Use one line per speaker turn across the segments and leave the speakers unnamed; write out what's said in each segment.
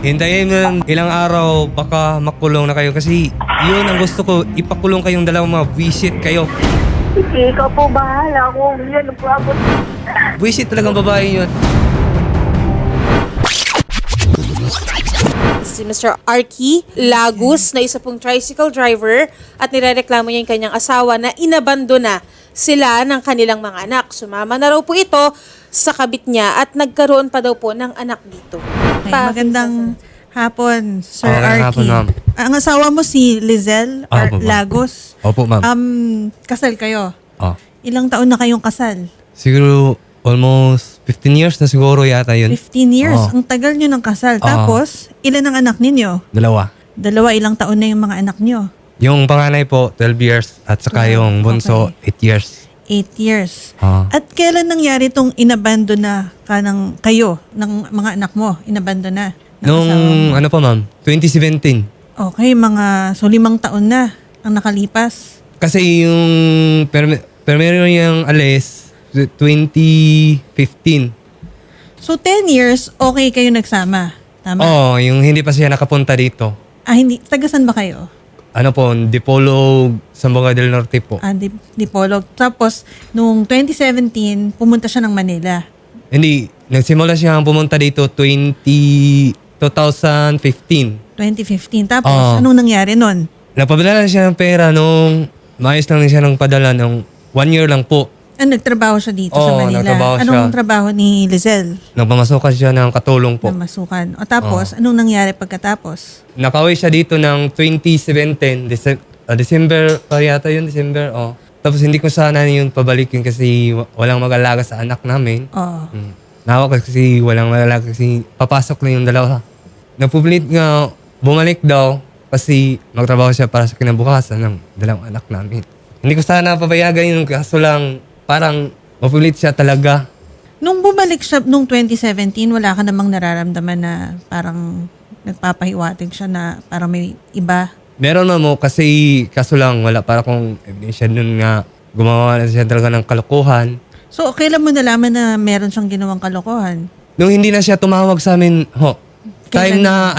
Hintayin mo ng ilang araw, baka makulong na kayo. Kasi yun ang gusto ko, ipakulong kayong dalawang mga visit kayo.
Sige, ikaw po bahala kung yan po ako.
Visit talagang babae yun.
Si Mr. Arky Lagos na isa pong tricycle driver at nirereklamo niya yung kanyang asawa na inabandona sila ng kanilang mga anak. Sumama na raw po ito sa kabit niya at nagkaroon pa daw po ng anak dito.
Okay, magandang hapon, Sir
Okay,
Arky.
hapon, ma'am.
Ang asawa mo si Lizelle
Opo, ma'am.
Lagos.
Opo, ma'am.
Kasal kayo.
Oh.
Ilang taon na kayong kasal?
Siguro almost 15 years na siguro yata yun.
15 years.
Oo.
Ang tagal nyo ng kasal. Tapos, ilan ang anak ninyo?
Dalawa.
Dalawa, ilang taon na yung mga anak nyo?
Yung panganay po, 12 years. At saka yung bunso, 8 years.
8 years.
Ah.
At kailan nangyari itong inabandona kayo ng mga anak mo? Inabandona? ng
Nung
asawa mo?
ano pa ma'am, 2017.
Okay, mga 5 taon na ang nakalipas.
Kasi yung primero yung alis, 2015.
So 10 years, okay kayo nagsama. Tama?
Oo, yung hindi pa siya nakapunta dito.
Hindi. Tagasan ba kayo?
Ano po, Dipolog, Zamboanga del Norte po.
Dipolog. Tapos, noong 2017, pumunta siya ng Manila.
Hindi, nagsimula siya pumunta dito 2015.
2015. Tapos,
Oo.
anong nangyari nun?
Napapadala siya ng pera nung maayos lang siya ng padala nung 1 year lang po.
Nagtrabaho siya dito sa
Oo,
Manila.
nagtrabaho siya.
Anong trabaho ni Lizelle?
Nagpamasukan siya ng katulong po.
Na masukan. O tapos, anong nangyari pagkatapos?
Nakauwi siya dito ng 2017, December pa yata yun, December, oh. Tapos hindi ko sana yun pabalikin kasi walang mag-alaga sa anak namin.
Oo.
Nawa kasi walang mag-alaga kasi papasok na yung dalawa. Napupilit nga, bumalik daw kasi magtrabaho siya para sa kinabukasan ng dalawang anak namin. Hindi ko sana papayagan yun kaso lang parang mapulit siya talaga.
Nung bumalik siya nung 2017, wala ka namang nararamdaman na parang nagpapahiwatig siya na parang may iba.
Meron mo kasi kaso lang wala para kung ebidensya nun nga gumawa na siya talaga ng kalokohan.
So, kailan mo nalaman na meron siyang ginawang kalokohan?
Nung hindi na siya tumawag sa amin, time
Kailan?
na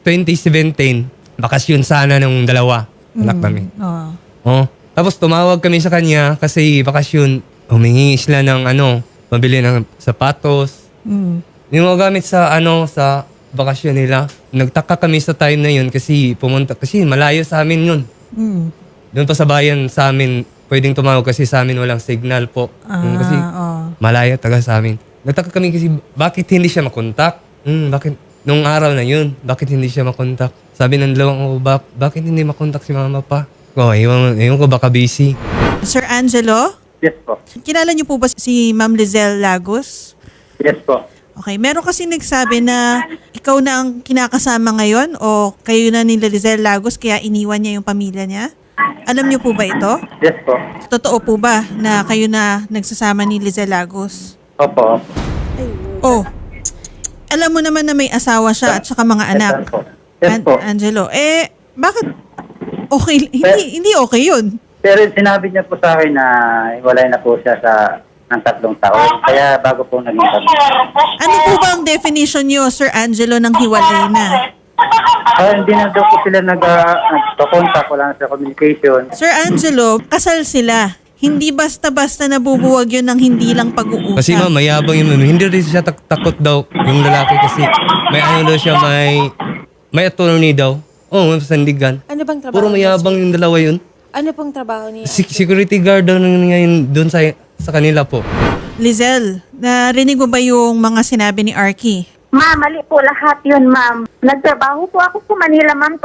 2017, bakasyon sana ng dalawa, anak namin.
Oo.
Oh. Tapos tumawag kami sa kanya kasi bakasyon, humingi sila ng mabili ng sapatos.
Mm.
Yung mga gamit sa sa bakasyon nila. Nagtaka kami sa time na yun kasi malayo sa amin yun.
Mm.
Doon pa sa bayan sa amin, pwedeng tumawag kasi sa amin walang signal po. Kasi
Oo.
malayo taga sa amin. Nagtaka kami kasi bakit hindi siya makontak? Bakit nung araw na yun, bakit hindi siya makontak? Sabi ng dalawang bakit hindi makontak si mama pa? Ewan ko baka busy.
Sir Angelo,
Yes po.
kilala niyo po ba si Ma'am Lizelle Lagos?
Yes po.
Okay, meron kasi nagsabi na ikaw na ang kinakasama ngayon o kayo na ni Lizelle Lagos kaya iniwan niya yung pamilya niya? Alam niyo po ba ito?
Yes po.
Totoo po ba na kayo na nagsasama ni Lizelle Lagos?
Opo.
Oh, alam mo naman na may asawa siya at saka mga anak.
Yes po. Yes po.
Angelo, bakit okay? Hindi okay yun.
Pero sinabi niya po sa akin na hiwalay na po siya ng 3 taon. Kaya bago po naging kami.
Ano po ba ang definition niyo, Sir Angelo, ng hiwalay na?
Hindi na daw po sila nagpa-contact. Wala na sa communication.
Sir Angelo, kasal sila. Hindi basta-basta nabubuwag yun ng hindi lang pag-uusap.
Kasi ma'am, mayabang yun ma'am. Hindi rin siya takot daw yung lalaki kasi may daw siya, may attorney daw. May sandigan.
Ano bang trabaho?
Puro mayabang yung dalawa yun.
Ano pong trabaho niya?
Security guard daw ngayon doon sa kanila po.
Lizelle, narinig mo ba yung mga sinabi ni Arky?
Ma'am, mali po lahat yun, ma'am. Nagtrabaho po ako sa Manila, ma'am,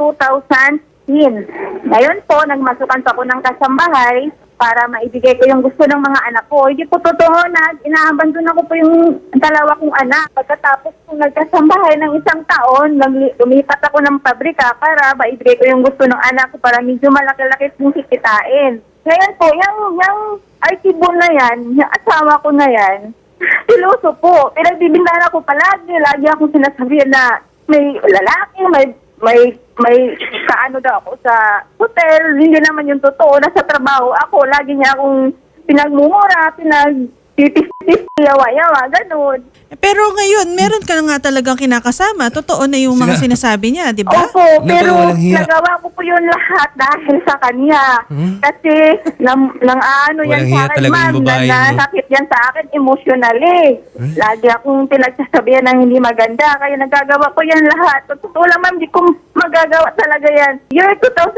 2010. Ngayon po, nagmasukan pa ako ng kasambahay para maibigay ko yung gusto ng mga anak ko. Hindi po totoo na inaabandon ako po yung dalawa kong anak. Pagkatapos kung nagkasambahay ng 1 taon, lumipat ako ng pabrika para maibigay ko yung gusto ng anak ko para medyo malaki-laki pong sikitain. Ngayon po, yung arkibo na yan, yung asawa ko na yan, siloso po. Pinagbibintahan ako palagi. Lagi akong sinasabihan na may lalaki, may kaano daw ako sa hotel. Hindi naman yung totoo. Nasa trabaho ako. Lagi niya akong pinagmumura, pinagtitis-tis, yawa-yawa, ganun.
Pero ngayon, meron ka na nga talagang kinakasama. Totoo na yung mga sinasabi niya, di ba?
Opo, pero
walang hiya.
nagawa ko po yun lahat dahil sa kanya. Kasi ano yan
Walang
sa
hiya
akin,
talaga yung
ma'am,
babae,
na
no?
nasakit yan sa akin emotionally. Lagi akong pinagsasabihan ng hindi maganda, kaya nagagawa ko yan lahat. Totoo lang, ma'am, di ko magagawa talaga yan. Year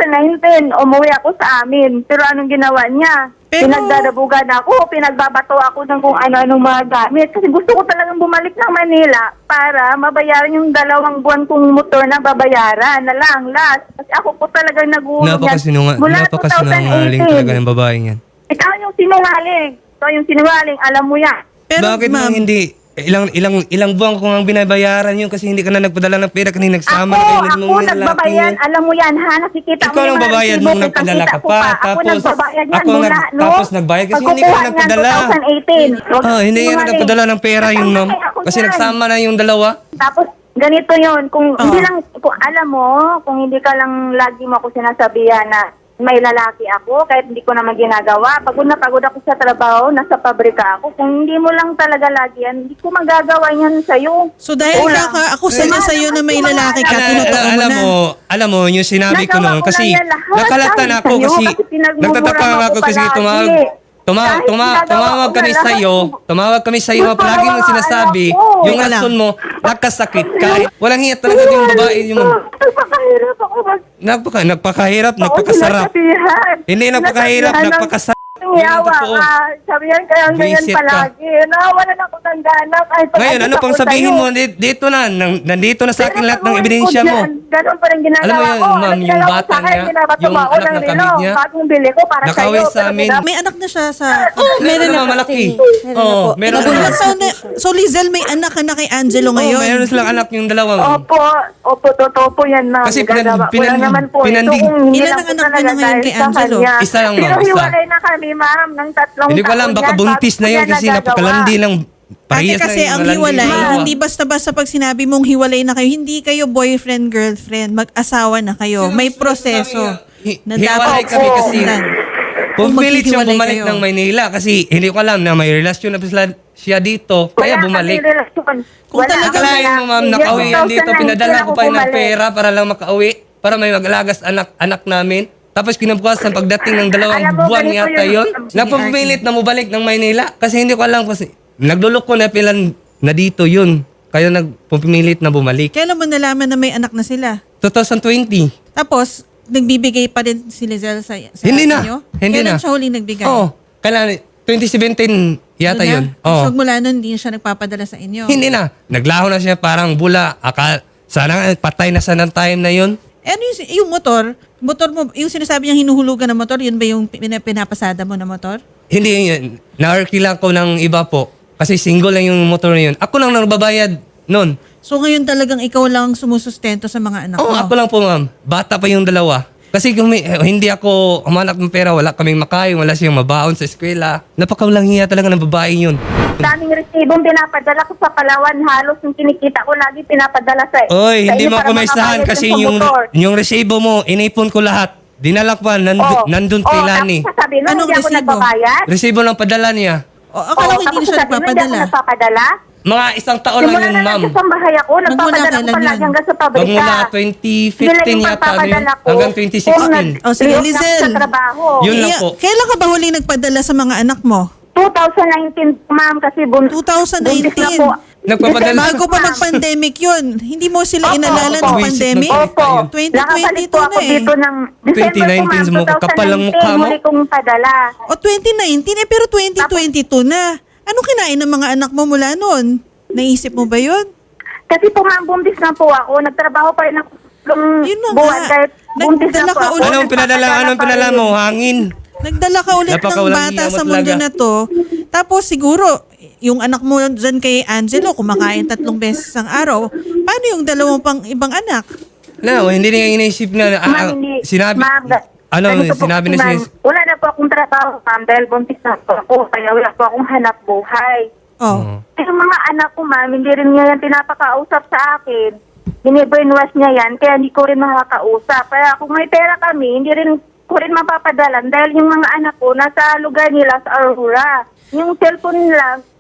2019, umuwi ako sa amin. Pero anong ginawa niya?
Pero-
Pinagdadabugan ako, pinagbabato ako ng kung ano-anong mga gamit. Kasi gusto ko talagang bumalik ng Manila para mabayaran yung 2 buwan kong motor na babayaran na lang, last. Kasi ako po talagang nag-uulog
Napakasinungaling talaga ng babaeng yan.
Ikaw yung sinungaling. Ikaw yung sinungaling, alam mo yan.
Pero
Bakit
ma'am,
mo hindi? Ilang buwan ko nga binabayaran yun kasi hindi ka na nagpadala ng pera kasi nagsama na kayo ng
Ako
mga lalaki
nagbabayan,
yun.
alam mo yan ha, nakikita
Ikaw
mo
lang
yung
babayad
resibo,
nung nagpadala ka
kitang-kita ko
pa.
Ako
Tapos,
nagbabayad yan
ako
mula, no?
tapos nagbayad kasi hindi ka
Pagkukuha
nagpadala.
niyan, 2018. Huwag
Hindi yan
sinungaling.
nagpadala ng pera yun, ma'am.
Ako
Kasi
yan.
nagsama na yung dalawa.
Tapos, ganito yun. Kung hindi lang, kung alam mo, kung hindi ka lang lagi mo ako sinasabihan na may lalaki ako, kahit hindi ko naman ginagawa. Pagod na pagod ako sa trabaho, nasa pabrika ako. Kung hindi mo lang talaga lagi yan, hindi ko magagawa yan sa'yo.
so dahil
Wala.
kakaakusa niya sa'yo na may lalaki ka, tinotoo mo na.
Alam mo, yung sinabi ko
Nagawa
noon,
ko
kasi
lang yan lahat
nakalatan
dahil
ako
sa'yo,
kasi
kasi pinagmumura
nagtataka
mo
ako
ako
kasi
palagi. Kahit ginagawa
tumawag
ko
kami
na lahat.
tumawag kami sa iyo,
Gusto
palagi
mo
mong
mga
sinasabi,
anak ko.
yung
Teka lang.
rason mo, nakasakit ka. Walang hiya talaga yung babae, yung
Napakahirap ako
nagpakahirap, nagpakasarap. Hindi napakahirap, napakasarap.
Yawa
Totoo.
ka. Sabihan kaya ganyan
Visit ka.
palagi. Nawalan ako ng gana. Kahit
Ngayon, ano pang sabihin mo? Dito na, nandito na sa akin lahat ng ebidensya mo.
Ganun pa rin ginagawa
Alam mo yun,
ko.
ma'am, yung
Ginagawa ko
bata
sa akin,
niya,
ginagawa
yung
ako
anak
ng
ng
relo.
kabit niya,
Bagong bili ko para
nakawin
sa'yo.
sa amin.
May anak na siya sa...
Meron na
naman malaki.
Meron na
Oo,
po.
meron
Inabulan
na.
sa
So, so Lizelle, may anak ka na kay Angelo ngayon.
Meron silang anak yung dalawa. ma'am.
Opo, totoo po yan, ma'am.
Kasi
Gagawa ko lang naman po.
pinandig-
Ito kung hindi
Ilan
lang
ang
po
anak mo
talaga
na ngayon
dahil
kay
sa
Angelo?
kanya.
Isa lang, ma'am,
Pero
isa.
hiwalay na kami, ma'am, ng 3
Hindi ko alam, baka buntis na yun kasi napakalandi lang.
Ate
Parehas
kasi
lang yung
ang
malandi
hiwalay,
yung dalawa.
hindi basta-basta pag sinabi mong hiwalay na kayo, hindi kayo boyfriend, girlfriend, mag-asawa na kayo. May proseso na
Hiwalay
dapat
kami kasi
sundan.
pumilit siyang
maghihiwalay
bumalik
kayo.
ng Maynila kasi hindi ko alam na may relasyon na siya dito. Kaya
Wala
bumalik.
kami relasyon.
Kung
Wala
talagang-
kami
Akalain mo, ma'am,
relasyon.
nakauwi yan dito.
2019
Pinadala ko
ako
pa yun ng
bumalik.
pera para lang makauwi. Para may mag-alagas anak namin. Tapos kinabukasan pagdating ng 2
Alam mo,
buwan
ganito
yata
yun.
yun. Napupilit na mabalik ng Maynila. Kasi hindi ko alam kasi nagluloko na pilan na dito yun. Kaya nagpumilit na bumalik.
Kailan mo nalaman na may anak na sila?
2020.
Tapos, nagbibigay pa din si Lizelle sa
Hindi na.
inyo?
Hindi
Kailan
na.
siya huling nagbigay?
Oo. Kailan 2017 yata
Doon
yun.
na?
Oo.
So, mula nun, hindi siya nagpapadala sa inyo?
Hindi na. Naglaho na siya parang bula. Sana nga, patay na sa ng time na yun.
Ano yung motor mo, yung sinasabi niyang hinuhulugan ng motor, yun ba yung pinapasada mo na motor?
Hindi yun. Na-arkila ko ng iba po. Kasi single lang yung motor na yun. Ako lang nagbabayad nun.
So ngayon talagang ikaw lang sumusustento sa mga anak
Oo,
mo?
ako lang po, ma'am. Bata pa yung dalawa. Kasi kung hindi ako humanap ng pera, wala kaming makain, wala siyang mabaon sa eskwela. Napakawalang hiya talaga ng babae yun.
Daming resibong pinapadala ko sa Palawan. Halos yung kinikita ko lagi pinapadala sa
Oy,
sa
hindi
inyo
mo
para
ako maisahan
makabayad
kasi
sa motor.
yung resibo mo, inipon ko lahat. Dinala ko pa, nandun kay Lani.
Tapos sasabihin mo,
Anong
hindi ako
resibo?
nagbabayad?
Resibo lang padala niya.
O, akala ko hindi
tapos
na siya
sasabihin mo, hindi
nagpapadala.
ako nagpapadala?
Mga isang taon lang
Simula
yun,
na
ma'am.
nagsasambahay ako,
Magmula
nagpapadala ko
kailan
palagi
yun?
hanggang sa pabrika.
Magmula
Sila
2015
yung
yata,
pagpapadala ko
hanggang
kung
2016.
O, sige,
liok na ako
Lizelle.
sa trabaho.
Yun lang po.
Kailan ka ba huling nagpadala sa mga anak mo?
2019, ma'am, kasi
2019.
buntis na po.
Nagpapadala.
Bago pa mag-pandemic yun. Hindi mo sila
Opo,
inalala
opo.
ng pandemic?
Opo.
2022
Nakabalik po ako
na eh.
dito ng December
2019
po, ma'am,
mo, kapal ang mukha mo.
huli kong padala.
O 2019 pero 2022 na. Ano kinain ng mga anak mo mula noon? Naisip mo ba yun?
Kasi po ma'am, buntis na po ako. Nagtrabaho pa rin ako ng
Yun na
buwan
nga.
kahit buntis
Nagdala
na po
ka
ako.
ulit.
Anong pinadala mo? Hangin.
Nagdala ka ulit ng
Napakawalang
bata
hiya mo
sa mundo
talaga.
na to. Tapos siguro, yung anak mo dyan kay Angelo, kumakain 3 beses ang araw. Paano yung 2 pang ibang anak?
No, hindi niya iniisip na
Ma'am, hindi.
sinabi.
Ma'am,
Sinabi
ganito po
na
kasi,
siya.
ma'am, wala na po akong trabaho, ma'am, dahil buntis na po ako. Kaya wala po akong hanap buhay.
Oh.
Yung mga anak ko, ma'am, hindi rin niya yan pinapakausap sa akin. Bini-brainwash niya yan, kaya hindi ko rin makakausap. Kaya kung may pera kami, hindi rin ko rin mapapadalan dahil yung mga anak ko nasa lugar nila sa Aurora. Yung cellphone nila,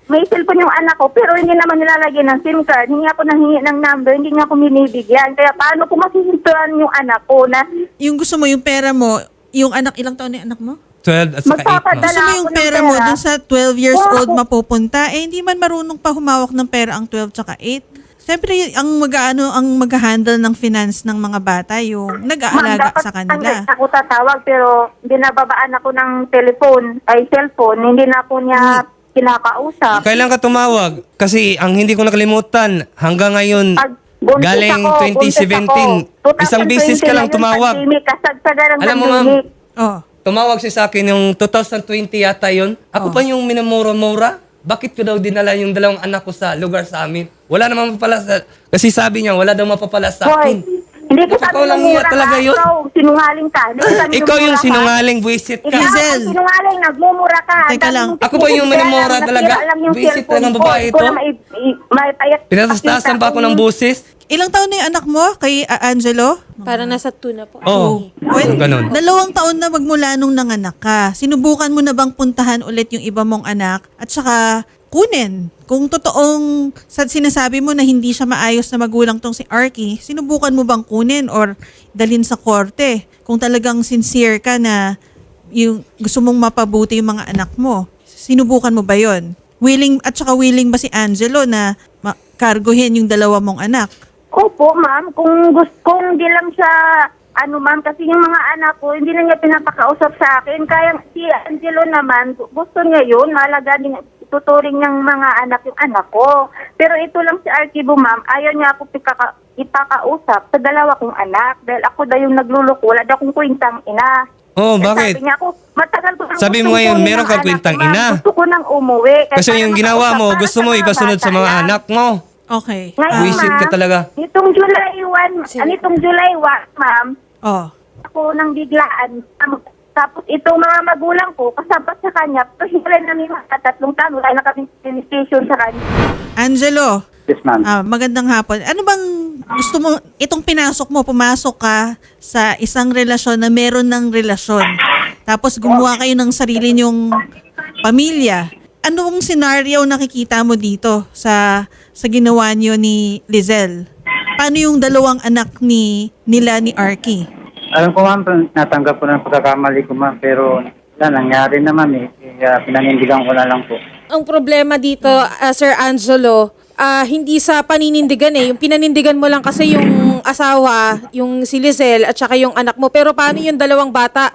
may cellphone yung anak ko, pero hindi naman nilalagyan ng SIM card. Hingi ako ng number, hindi niya ako binibigyan. Kaya paano ko masisintuan yung anak ko na
Yung gusto mo, yung pera mo, yung anak, ilang taon na yung anak mo?
12 at saka 8
Magpapadala.
Gusto mo yung
ako ng
pera mo
pera.
dun sa 12 years
Oo.
old mapupunta, hindi man marunong pa humawak ng pera ang 12 tsaka 8. Siyempre, ang mag-handle ng finance ng mga bata, yung nag-aalaga
dapat
sa kanila.
ako tatawag, pero binababaan ako ng cellphone. Hindi na po niya kinakausap.
Kailan ka tumawag? Kasi ang hindi ko nakalimutan, hanggang ngayon,
Pag buntis
galing
ako,
2017, isang beses ka lang tumawag.
Kasagsagan ng
Alam mo, ma'am,
pandemic.
Oh.
tumawag siya sa akin yung 2020 yata yun. Ako pa yung minamura-mura. Bakit ko daw dinala yung dalawang anak ko sa lugar sa amin? Wala namang mapapala sa... Kasi sabi niya, wala daw mapapala sa
Hoy,
akin.
hindi ko sabi
Totoo lang
ng
niya
mura
talaga
ka.
yun.
Ikaw, sinungaling ka. Hindi ko sabi
Ikaw
ng
yung
mura ka.
sinungaling, buwisit
Ikaw
ka.
Hazel.
ang sinungaling, nagmumura ka.
Teka
Ang dami
lang.
mong
Ako ba yung
pinipigyan,
minamura
nasira
talaga?
lang yung
Visit
cellphone
lang ng
ko.
babae
Hindi ko
ito?
na maipayat.
Pinatastasan pa ako ng busis.
Ilang taon na yung anak mo kay Angelo?
Parang nasa 2 na po.
Oo.
Well,
Ganun.
2 taon na magmula nung nanganak ka. Sinubukan mo na bang puntahan ulit yung iba mong anak at saka kunin? Kung totoong sinasabi mo na hindi siya maayos na magulang tong si Arky, sinubukan mo bang kunin or dalhin sa korte? Kung talagang sincere ka na yung gusto mong mapabuti yung mga anak mo, sinubukan mo ba yon? Willing ba si Angelo na kargohin yung 2 mong anak?
Opo, ma'am. Kung hindi lang siya, ma'am, kasi yung mga anak ko, hindi na niya pinapakausap sa akin. Kaya si Angelo naman, gusto niya yun, malaga din, tuturing ng mga anak yung anak ko. Pero ito lang si Archibo, ma'am, ayaw niya ako ipakausap sa 2 kong anak. Dahil ako daw yung nagluloko, wala daw akong kwentang ina.
Oh,
Eh,
bakit?
Sabi niya ako, matagal ko nang
Sabi
gustong
mo ngayon,
kunin
meron
ng
kang
anak
kwentang
ko, ma'am.
ina.
Gusto ko nang umuwi. Kaya
Kasi
para
yung ginawa
makausap
mo,
para
gusto mo
mga
ipasunod sa
bata
mga
lang.
anak mo.
Okay.
Ngayon,
Buisit ka
ma'am,
talaga.
Nitong July 1, nitong July 1, ma'am,
Oh.
ako nang biglaan. Tapos itong mga magulang ko, kasabot sa kanya, pero hiwalay namin mga 3 taon, wala na kaming station sa kanya.
Angelo,
Yes, ma'am.
magandang hapon. Ano bang gusto mo, itong pumasok ka sa isang relasyon na meron ng relasyon. Tapos gumawa kayo ng sarili nyong pamilya. Anong scenario nakikita mo dito sa ginawa niyo ni Lizelle? Paano yung 2 anak nila ni Arky?
Alam ko, ma'am, natanggap ko na ang pagkakamali ko, ma'am, pero wala, nangyari naman eh. Kaya pinanindigan ko na lang po.
Ang problema dito, Sir Angelo, hindi sa paninindigan eh. Yung pinanindigan mo lang kasi yung asawa, yung si Lizelle at saka yung anak mo. Pero paano yung 2 bata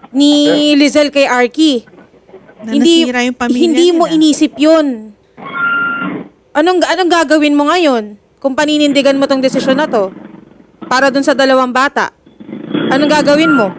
ni Lizelle kay Arky?
Na nasira yung pamilya
hindi mo
nila.
inisip yun. Anong gagawin mo ngayon kung paninindigan mo tong desisyon na to? Para dun sa 2 bata. Anong gagawin mo?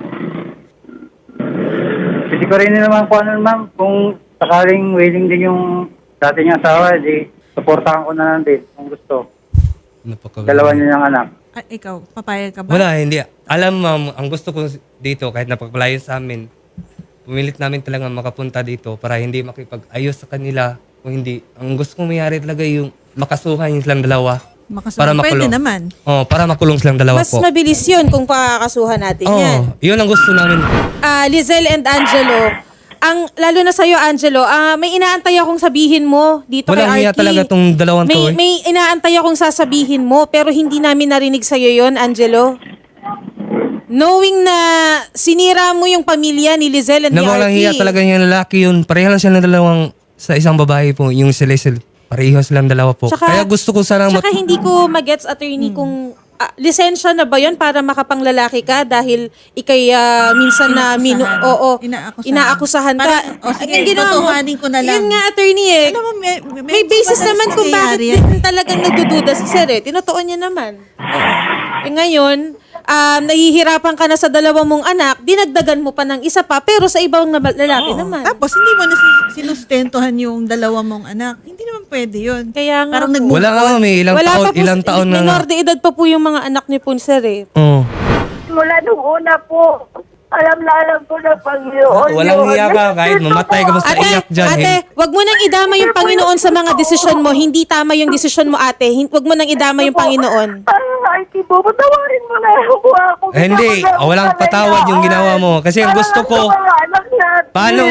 Kasi ko rin naman po, ma'am, kung sakaling willing din yung dati niyang asawa, di supportahan ko na lang din kung gusto. Dalawa niya niyang anak.
Ikaw, papayag ka ba?
Wala, hindi. Alam, ma'am, ang gusto ko dito, kahit napagpalayo sa amin, pumilit namin talaga makapunta dito para hindi makipag-ayos sa kanila. Kung hindi, ang gusto kong mayari talaga yung makasuhan yung silang 2. Para
Pwede
makulong.
naman.
Oh, para makulong silang 2
Mas
po.
mabilis yun kung pakakasuhan natin yan.
Oh, yun ang gusto namin.
Lizelle and Angelo, lalo na sa'yo, Angelo, may inaantay akong sabihin mo dito
Walang
kay
hiya
Arky.
talaga tong 2 to eh.
May inaantay akong sasabihin mo, pero hindi namin narinig sa'yo yon, Angelo. Knowing na sinira mo yung pamilya ni Lizelle and ni
Walang
Arky.
hiya talaga yung lalaki yun. Pareha lang sila ng 2 sa isang babae po. Yung si Lizelle. Pareho silang 2 po. Kaya gusto ko sana
Tsaka hindi ko magets, attorney, kung lisensya na ba yon para makapanglalaki ka dahil ikay minsan na inaakusahan ka.
Sige,
Ang ginawa mo,
totohanin ko na lang.
Yun nga, attorney eh.
Alam mo,
May basis naman kung bakit
nangyayari yan.
din talagang nagdududa si Sir eh. Tinotoo niya naman. Ngayon, nahihirapan ka na sa 2 mong anak, dinagdagan mo pa ng isa pa, pero sa ibang lalaki naman.
Tapos hindi mo na sinustentuhan yung 2 mong anak. Hindi naman pwede yun.
Kaya nga
Parang
po.
nag-move
Wala nga
on.
may ilang taon na nga.
Minor de edad pa po yung mga anak ni po, Sir eh.
Oh.
Mula nung una po, alam ko na Panginoon.
Walang
yun.
hiya ka kahit mamatay ka basta iyak dyan.
Ate, wag mo nang idama yung Panginoon sa mga desisyon mo. Hindi tama yung desisyon mo, ate. Wag mo nang idama yung Panginoon.
Ay, Tibo, patawarin mo na ako.
Hindi, walang patawad yung ginawa mo. Kasi ang gusto ko, paano,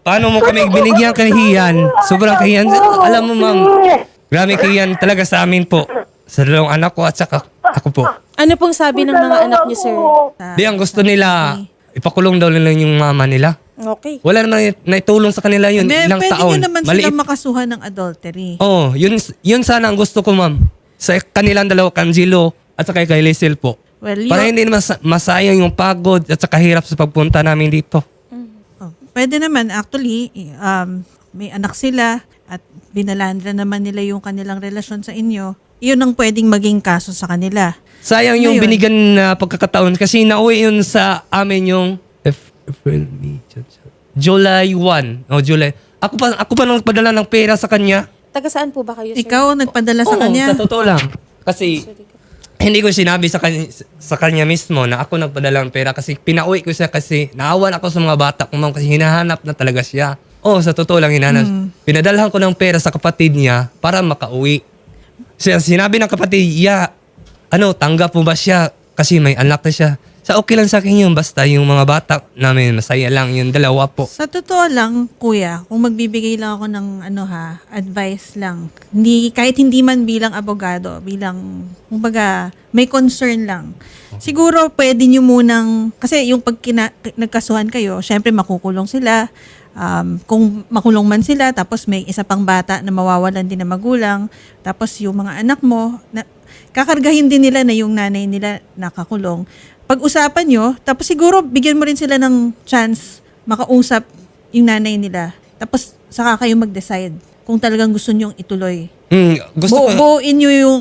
paano mo kami binigyan kahiyan? Sobrang kahiyan. Alam mo, ma'am, grabe kahiyan talaga sa amin po. Sa dalawang anak ko at saka ako po.
Ano pong sabi ng mga anak niyo, sir?
Di, ang gusto nila, ipakulong daw nila yung mama nila.
Okay.
Wala naman naitulong sa kanila yun, ilang
Pwede
taon.
nyo naman
Maliit.
silang makasuhan ng adultery.
Oo, yun sana ang gusto ko, ma'am. Sa kanilang dalawa, Angelo at saka kay Liesel po.
Well,
Para hindi naman masayang yung pagod at saka hirap sa pagpunta namin dito.
Pwede naman, actually, may anak sila at binalandra naman nila yung kanilang relasyon sa inyo. Yun ang pwedeng maging kaso sa kanila.
Sayang yung
Ngayon.
binigyan na pagkakataon kasi nauwi yun sa amin yung April, May, July 1. O July. Ako pa nang nagpadala ng pera sa kanya.
Taga saan po ba kayo, sir?
Ikaw ang nagpadala sa
Oo,
kanya.
sa totoo lang. Kasi hindi ko sinabi sa kanya mismo na ako nagpadala ng pera kasi pinauwi ko siya kasi naawan ako sa mga bata ko, ma'am, kasi hinahanap na talaga siya. Oo, sa totoo lang hinahanap. Pinadalhan ko ng pera sa kapatid niya para makauwi. Sinabi ng kapatid, tanggap mo ba siya? Kasi may anak na siya. Sa okay lang sa akin yun, basta yung mga bata namin, masaya lang yung dalawa po.
Sa totoo lang, kuya, kung magbibigay lang ako ng advice lang, kahit hindi man bilang abogado, bilang, kumbaga, may concern lang. Siguro pwede nyo munang, kasi yung pag nagkasuhan kayo, syempre makukulong sila. Kung makulong man sila, tapos may isa pang bata na mawawalan din na magulang, tapos yung mga anak mo, kakargahin din nila na yung nanay nila nakakulong. Pag-usapan nyo, tapos siguro bigyan mo rin sila ng chance makausap yung nanay nila. Tapos saka kayo mag-decide kung talagang gusto nyong ituloy.
Gusto ko,
Buuin nyo yung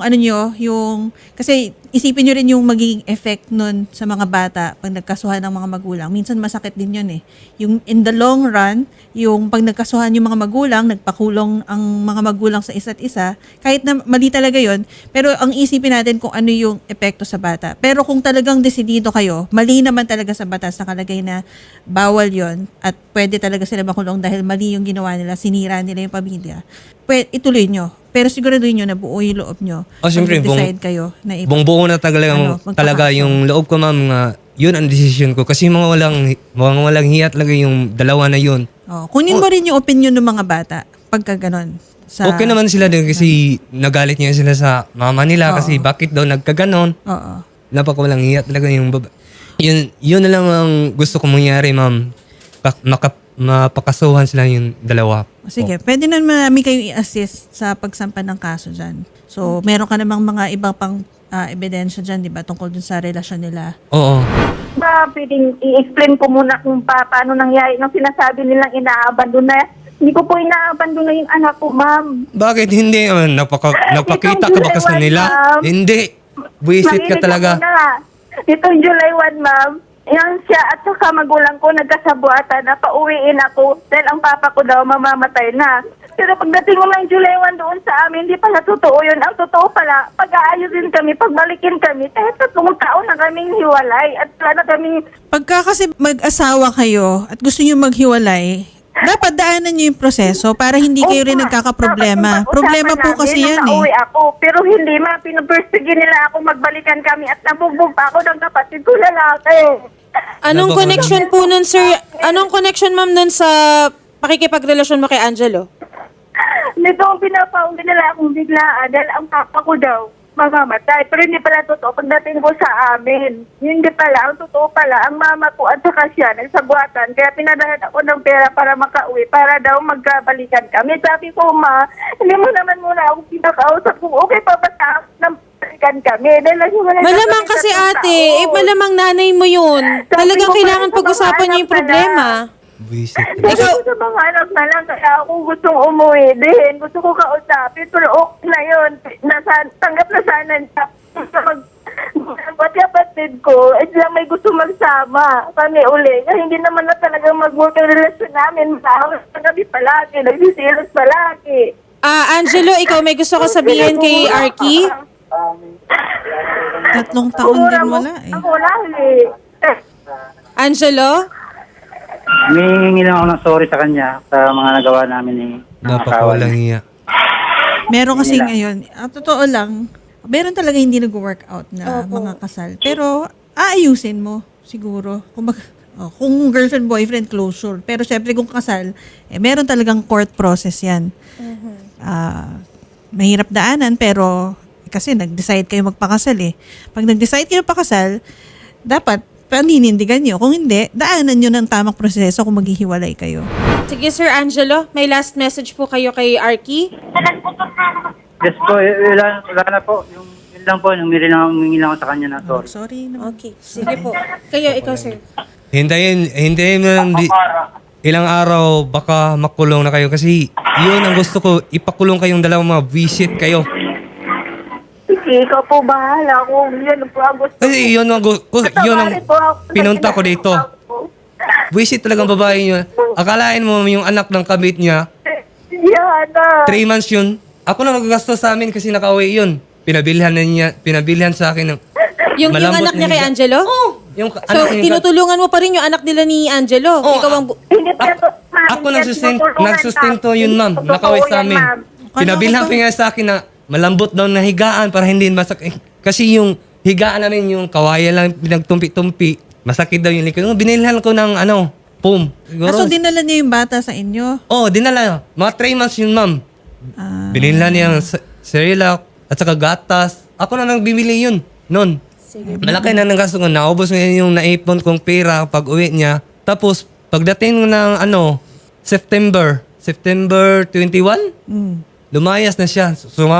kasi isipin nyo rin yung magiging effect nun sa mga bata pag nagkasuhan ng mga magulang. Minsan masakit din yun eh. Yung in the long run, yung pag nagkasuhan yung mga magulang, nagpakulong ang mga magulang sa isa't isa, kahit na mali talaga yun, pero ang isipin natin kung ano yung epekto sa bata. Pero kung talagang desidido kayo, mali naman talaga sa batas nakalagay na bawal yon at pwede talaga sila makulong dahil mali yung ginawa nila, sinira nila yung pamilya, ituloy nyo. Pero siguraduhin nyo na buo yung loob nyo.
siyempre,
decide kayo na
buong-buo na talaga yung loob ko, ma'am, nga yun ang decision ko. Kasi mga walang hiya talaga yung dalawa na yun.
Kunin mo rin yung opinion ng mga bata pagka ganon.
Okay naman sila din kasi nagalit niya sila sa mama nila kasi bakit daw nagkaganon.
Oo.
Napakawalang hiya talaga yung baba. Yun na lang ang gusto ko mangyari, ma'am. Mapakasuhan sila yung dalawa.
Sige, pwede na namin kayo i-assist sa pagsampa ng kaso dyan. So, meron ka namang mga iba pang ebidensya dyan, di ba, tungkol dun sa relasyon nila.
Oo.
Ba, pwedeng i-explain ko muna kung paano nangyari nung sinasabi nilang inaabandon na. Hindi ko po inaabandon na yung anak ko, ma'am.
Bakit hindi? Nagpakita ka ba kasi
July 1,
nila?
ma'am.
Hindi. Buisit ka talaga.
Itong July 1, ma'am, yan siya at saka magulang ko nagkasabuatan na pauwiin ako dahil ang papa ko daw mamamatay na. Pero pagdating mo ng July 1 doon sa amin, hindi pala totoo yun. Ang totoo pala, pag-aayusin kami, pagbalikin kami, kahit 3 taon na kaming hiwalay at wala na kaming...
Pagka kasi mag-asawa kayo at gusto nyo maghiwalay, dapat daanan nyo yung proseso para hindi kayo rin nagkakaproblema. Problema po kasi yan
Nauwi
eh.
ako, pero hindi ma, pinupursige nila ako magbalikan kami at nabugbog pa ako ng kapatid ko lalaki.
Anong connection po nun, sir? Anong connection, ma'am, nun sa pakikipagrelasyon mo kay Angelo?
Nito ang pinapauwi nila akong biglaan dahil ang papa ko daw mamamatay. Pero hindi pala totoo pagdating ko sa amin. Hindi pala, ang totoo pala, ang mama ko at saka siya nagsagwatan. Kaya pinadahan ako ng pera para makauwi, para daw magkabalikan kami. Sabi ko, ma, hindi mo naman muna ako pinakausap kung okay pa ba sa ng balikan kami.
Malamang kasi ate, malamang nanay mo yun. Talagang kailangan pag-usapan niyo yung problema.
Buisit.
Ikaw sa mga anak na lang, kaya ako gustong umuwi din. Gusto ko kausapin, pero okay na yun. Tanggap na sana niya. Ba't kapatid ko, lang may gusto magsama kami uli. Kasi hindi naman na talaga mag-work ang relasyon namin. Mahal na kami palagi, nagsisilos palagi.
Angelo, ikaw may gusto ko sabihin kay Arky?
3 taon din wala eh.
Ako lahi.
Angelo?
Humihingi lang ako ng sorry sa kanya sa mga nagawa namin ni
Napakawalang hiya.
Meron kasi ngayon, totoo lang, meron talaga hindi nag-workout na mga kasal. Pero aayusin mo siguro. Kung Kung girlfriend, boyfriend, closure. Pero syempre kung kasal, meron talagang court process yan. Mahirap daanan pero kasi nag-decide kayo magpakasal eh. Pag nag-decide kayo pakasal, dapat paninindigan nyo. Kung hindi, daanan nyo ng tamang proseso kung maghihiwalay kayo.
Sige, Sir Angelo, may last message po kayo kay Arky.
Yes po, wala na po. Yun lang po, humingi lang ako sa kanya na sorry.
Sorry naman.
Okay, sige po. Kayo, ikaw, sir.
Hintayin mo lang ilang araw baka makulong na kayo kasi yun ang gusto ko, ipakulong kayong dalawang mga visit kayo.
Ikaw po bahala kung yun po ang gusto.
Kasi yun ang pinunta ko dito. Visit talagang babae niya. Akalain mo yung anak ng kabit niya,
Yana.
3 months yun. Ako na nagagastos sa amin kasi nakauwi yun. Pinabilhan sa akin ng
Yung
malambot
anak niya
na
kay
higa.
Angelo?
Yung
So,
anak niya.
tinutulungan mo pa rin yung anak nila ni Angelo?
Oo,
Ikaw ang...
Hindi po yan po, ma'am.
Ako
Hindi yan tinutulungan,
nagsustento
ma'am.
yun, ma'am.
Totoo
Nakauwi sa
yan,
amin.
ma'am.
Pinabilhan pa nga sa akin na malambot daw na higaan para hindi masakit. Kasi yung higaan namin, yung kawayan lang pinagtumpi-tumpi, masakit daw yung likod. Binilhan ko ng foam. Siguro.
So, dinala niya yung bata sa inyo?
Dinala. Mga 3 months yun, ma'am. Binilhan niya yung Cerelac at saka gatas. Ako na nang bibili yun. Noon. Malaki na ng gasto ko. Naubos niya yung naipon kong pera pag uwi niya. Tapos, pagdating ng September 21, lumayas na siya.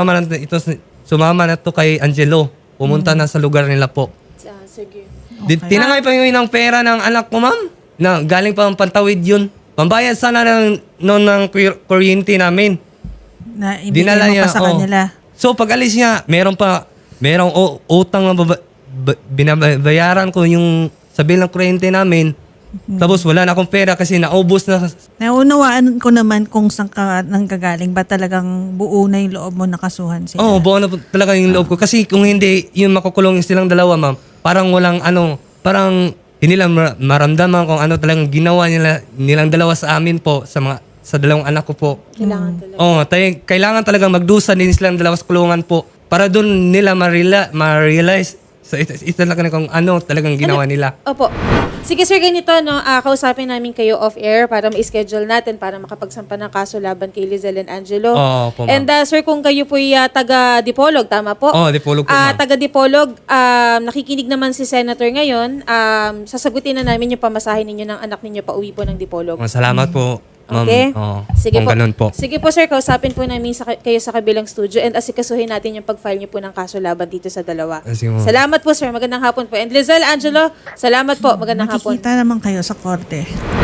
Sumama na to kay Angelo. Pumunta na sa lugar nila po.
Sige.
Tinangay pa yun ng pera ng anak ko, ma'am. Na galing pa ang pantawid yun. Pambayad sana ng kuryente namin.
Na ibigay mo pa sa kanila?
So pag alis niya, merong utang na binabayaran ko yung sa bill ng kuryente namin. Tapos wala na akong pera kasi naubos na.
Naunawaan ko naman kung saan ka nanggagaling. Ba talagang buo na yung loob mo nakasuhan sila?
Oo, buo na po talaga yung loob ko. Kasi kung hindi, yung makukulong silang dalawa, ma'am, parang walang parang hindi lang maramdaman kung ano talagang ginawa nilang dalawa sa amin po, sa dalawang anak ko po.
Kailangan talaga.
Oo, kailangan talagang magdusa din silang dalawa sa kulungan po para doon nila ma-realize sa isa talaga kung ano talagang ginawa nila.
Opo. Sige sir, ganito, kausapin namin kayo off-air para ma-schedule natin para makapagsampa ng kaso laban kay Lizelle and Angelo.
Oo po, ma'am.
And sir, kung kayo po'y taga-Dipolog, tama po?
Oo, Dipolog po, ma'am.
Taga-Dipolog, nakikinig naman si Senator ngayon. Sasagutin na namin yung pamasahe ninyo ng anak ninyo pa uwi po ng Dipolog.
Salamat po, ma'am.
Okay?
Oo,
Sige
kung
po.
ganun po.
Sige po sir, kausapin po namin kayo sa kabilang studio and asikasuhin natin yung pag-file niyo po ng kaso laban dito sa dalawa.
Sige, ma'am.
Salamat po sir, magandang hapon po. And Lizelle, Angelo, salamat po, magandang hapon.
Makikita naman kayo sa korte.